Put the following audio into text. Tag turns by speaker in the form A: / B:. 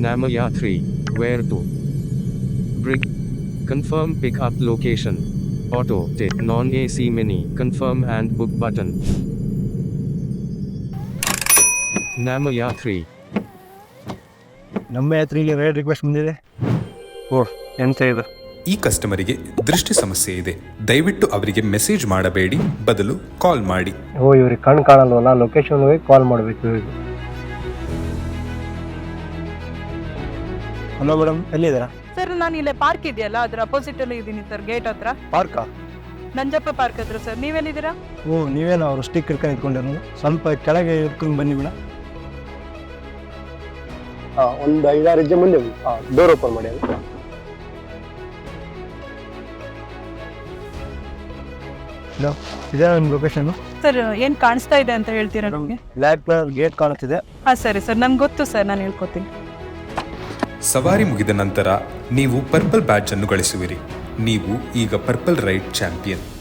A: Namaya 3. Where to? Brig. Confirm pickup location. Auto. Non-AC mini. Confirm and book button. Namaya 3.
B: ನಮ್ಮ ಯಾತ್ರೆಗೆ ride request ಬಂದಿದೆ. ಓ ಎಂತ ಇದು?
C: ಈ ಕಸ್ಟಮರಿಗೆ ದೃಷ್ಟಿ ಸಮಸ್ಯೆ ಇದೆ, ದಯವಿಟ್ಟು ಅವರಿಗೆ ಮೆಸೇಜ್ ಮಾಡಬೇಡಿ, ಬದಲು ಕಾಲ್ ಮಾಡಿ.
B: ಓ ಇವ್ರಿಗೆ ಕಣ್ಣು ಕಾಣಲ್ವಲ್ಲ, ಲೊಕೇಶನ್ ಹೋಗಿ ಕಾಲ್ ಮಾಡಬೇಕು ಇವ್ರಿಗೆ. ಹಲೋ ಮೇಡಮ್, ಎಲ್ಲಿದ್ದೀರಾ?
D: ಸರ್ ನಾನು ಇಲ್ಲೇ ಪಾರ್ಕ್ ಇದೆಯಲ್ಲ ಅದ್ರ ಅಪೋಸಿಟ್ ಅಲ್ಲಿ ಇದ್ದೀನಿ ಸರ್, ಗೇಟ್ ಹತ್ರ.
B: ಪಾರ್ಕಾ?
D: ನಂಜಪ್ಪ ಪಾರ್ಕ್ ಹತ್ರ ಸರ್. ನೀವೆಲ್ಲಿದ್ದೀರಾ?
B: ಓ ನೀವೇನು ಅವರು ಸ್ಟಿಕ್ ಹಿಡ್ಕೊಂಡು ಇಟ್ಕೊಂಡಿರೋದು? ಸ್ವಲ್ಪ ಕೆಳಗೆ ಇಟ್ಕೊಂಡು ಬನ್ನಿ ಮೇಡಮ್. ಒಂದು 5-6 ಹೆಜ್ಜೆ ಮುಂದೆ ಡೋರ್ ಓಪನ್ ಮಾಡಿ. ಹಲೋ, ಇದೇ ನಿಮ್ಮ ಲೊಕೇಶನ್?
D: ಸರ್ ಏನ್ ಕಾಣಿಸ್ತಾ ಇದೆ ಅಂತ ಹೇಳ್ತೀರಾ ನಮಗೆ?
B: ಬ್ಲ್ಯಾಕ್ ಕಲರ್ ಗೇಟ್ ಕಾಣುತ್ತಿದೆ.
D: ಹಾಂ ಸರಿ ಸರ್, ನಂಗೆ ಗೊತ್ತು ಸರ್, ನಾನು ಹೇಳ್ಕೊತೀನಿ.
C: ಸವಾರಿ ಮುಗಿದ ನಂತರ ನೀವು ಪರ್ಪಲ್ ಬ್ಯಾಡ್ಜ್ ಅನ್ನು ಗಳಿಸುವಿರಿ. ನೀವು ಈಗ ಪರ್ಪಲ್ ರೈಡ್ ಚಾಂಪಿಯನ್.